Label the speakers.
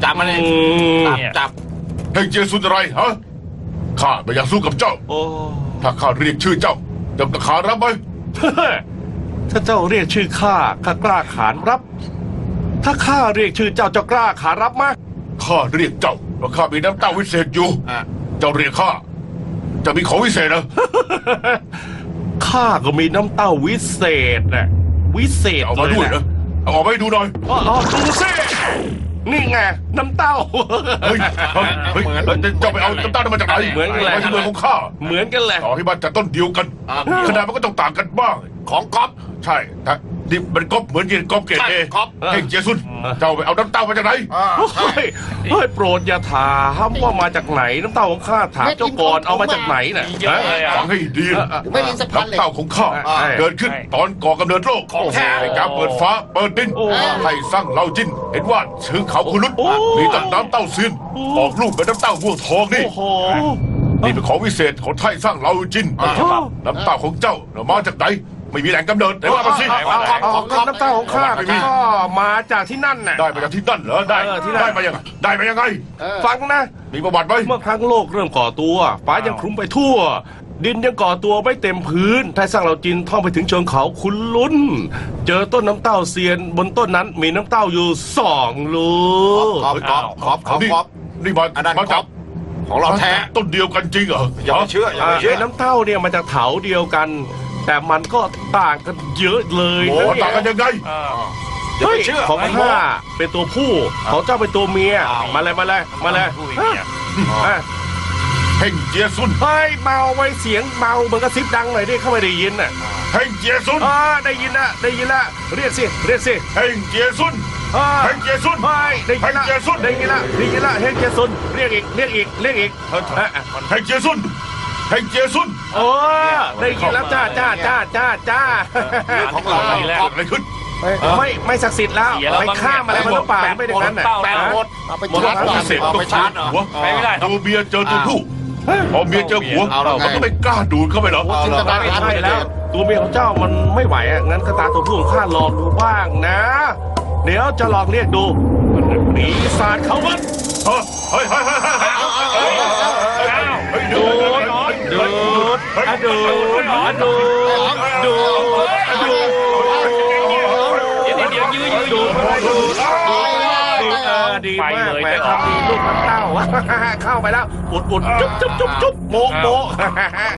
Speaker 1: จับมันเลยจับ
Speaker 2: ให้เจียซุนอะไรฮะข้าไม่อยากสู้กับเจ้า
Speaker 3: โอ้
Speaker 2: ถ้าข้าเรียกชื่อเจ้าจะขานรับไหม
Speaker 3: ถ้าเจ้าเรียกชื่อข้ากล้าขานรับ ถ้าข้าเรียกชื่อเจ้ากล้าขานรับไหม
Speaker 2: ข้าเรียกเจ้าเพราะข้ามีน้ำเต้าวิเศษอยู่เจ้าเรียกข้าจะมีของวิเศษนะ
Speaker 3: ข้าก็มีน้ำเต้าวิเศษนะวิเศษ
Speaker 2: เอามาด้วยนะเอาออกมาให้ดูหน่อย
Speaker 3: ดูสินี่ไงน้ำเต้า
Speaker 2: เฮ้ยเจ้าไปเอาน้ำเต้านั้นมาจากไหน
Speaker 3: เหมือนกันแหละ
Speaker 2: มาจากเมืองของข้า
Speaker 3: เหมือนกันแหละ
Speaker 2: ต่อให้มันจากต้นเดียวกันขนาดมันก็ต้องต่างกันบ้าง
Speaker 1: ของก๊อฟ
Speaker 2: ใช่แต่นี่มันก๊อปเหมือนเย็นก๊อปเกรดเอ
Speaker 1: ก๊อป
Speaker 2: เฮงเจียซุนเจ้าไปเอาน้ำเต้ามาจากไหน
Speaker 1: ใช่
Speaker 3: เฮ้ยโปรดอย่าถามว่ามาจากไหนน้ำเต้าของข้าถามเจ้าก่อนเอามาจากไหนน่ะ
Speaker 1: เยอะเลยอ่ะ
Speaker 2: ฟังให้ดีนะ
Speaker 4: ไม่มีสะพานเหล็ก
Speaker 2: น้ำเต้าของข้า
Speaker 3: ใช่
Speaker 2: เกิดขึ้นตอนก่อกำเนิดโลก
Speaker 1: ของแท้
Speaker 2: ในการเปิดฟ้าเปิดดิน
Speaker 3: โอ้
Speaker 2: ให้สร้างเหล่าจินเห็นว่าชื่อเขาคุรุต
Speaker 3: โอ้
Speaker 2: มีต้นน้ำเต้าเซียนออกลูกเป็นน้ำเต้าม่วงทองนี่
Speaker 3: โอ้โห
Speaker 2: นี่เป็นของวิเศษของไทยสร้างเหล่าจินน้ำเต้าของเจ้ามาจากไหนไม่มีแหล่งกำเนิดไหนว่ามาสิ
Speaker 3: น้ำเต้าของข้า
Speaker 2: ไม่มี
Speaker 3: ก็มาจากที่นั่นน่ะ
Speaker 2: ได้มาจากที่นั่นเหรอได้
Speaker 3: ที่นั่น
Speaker 2: ได้มายังไงได้มายังไง
Speaker 3: ฟังนะ
Speaker 2: มีประวัติไหม
Speaker 3: เมื่อครั้งโลกเริ่มก่อตัวฟ้ายังคลุมไปทั่ว ดินยังก่อตัวไม่เต็มพื้นไทยสร้างเหล่าจินท่องไปถึงเชิงเขาคุณลุ้น เจอต้นน้ำเต้าเซียน บนต้นนั้นมีน้ำเต้าอยู่2 ลูก
Speaker 2: นี่มา
Speaker 1: อันนั้น
Speaker 2: มา
Speaker 1: ก๊
Speaker 2: จา
Speaker 1: อก ฟของเราแท้
Speaker 2: ต้นเดียวกันจริงเหรอ
Speaker 1: อย่าไปเชื่ออย่าไปเชื่อ
Speaker 3: ไอ้น้ำเต้าเนี่ยมาจากเถาเดียวกัน แต่มันก็ต่างกันเยอะเลย
Speaker 2: โอ้
Speaker 3: นะ
Speaker 2: ต่างกันยังไง
Speaker 1: อย่า
Speaker 3: เฮ้
Speaker 1: ไป
Speaker 3: ย
Speaker 1: เชื่อ
Speaker 3: ของข้าเป็นตัวผู้ของเจ้าเป็นตัวเมียมาเลยอ่ะ
Speaker 2: เฮงเจียซุน
Speaker 3: เฮ้ยเบาไว้เสียงเบาเหมือนกระซิบดังหน่อยดิเข้าไม่ได้ยินน่ะ
Speaker 2: เฮงเจียซุน
Speaker 3: ได้ยินละเรียกสิ
Speaker 2: เฮงเจียซุนเฮงเจียซุน
Speaker 3: เฮ้ยได้ยินละ
Speaker 2: เฮงเจียซุน
Speaker 3: ได้ยินละเฮงเจซุนเรียกอีก
Speaker 2: เฮงเจียซุนเฮงเจียซุน
Speaker 3: โอ้ได้ยินแล้วจ้า
Speaker 1: ของเรา
Speaker 2: อะไรขึ้น
Speaker 3: ไม่ศักดิ์สิทธิ์แล้วไปฆ่ามาแล้วมันหรือเปล่าไม่อย่างนั้นน่ะ
Speaker 1: แปลงหมด
Speaker 4: เอาไป
Speaker 2: มร
Speaker 4: ชาร์จ
Speaker 2: ดก
Speaker 4: ก่อน
Speaker 2: พิเศษต้องชาร์จหัวตัวเมียเจอตัวผู้พอเมียเจอหัวมันก็ไม่กล้าดูดเข้าไปหรอก
Speaker 4: จินตนา
Speaker 3: ไม่
Speaker 4: การ
Speaker 3: ใช่แล้ว ตัวเมียของเจ้ามันไม่ไหวอ่ะงั้นก็ตามตัวผู้ของข้าลองดูบ้างนะ เดี๋ยวจะลองเรียกดูปีศาจเขาวัด
Speaker 2: เฮ้ย
Speaker 3: ดูดีมากแหมทำดีลูกน้ำเต้าเข้าไปแล้วอุดจุ๊บโม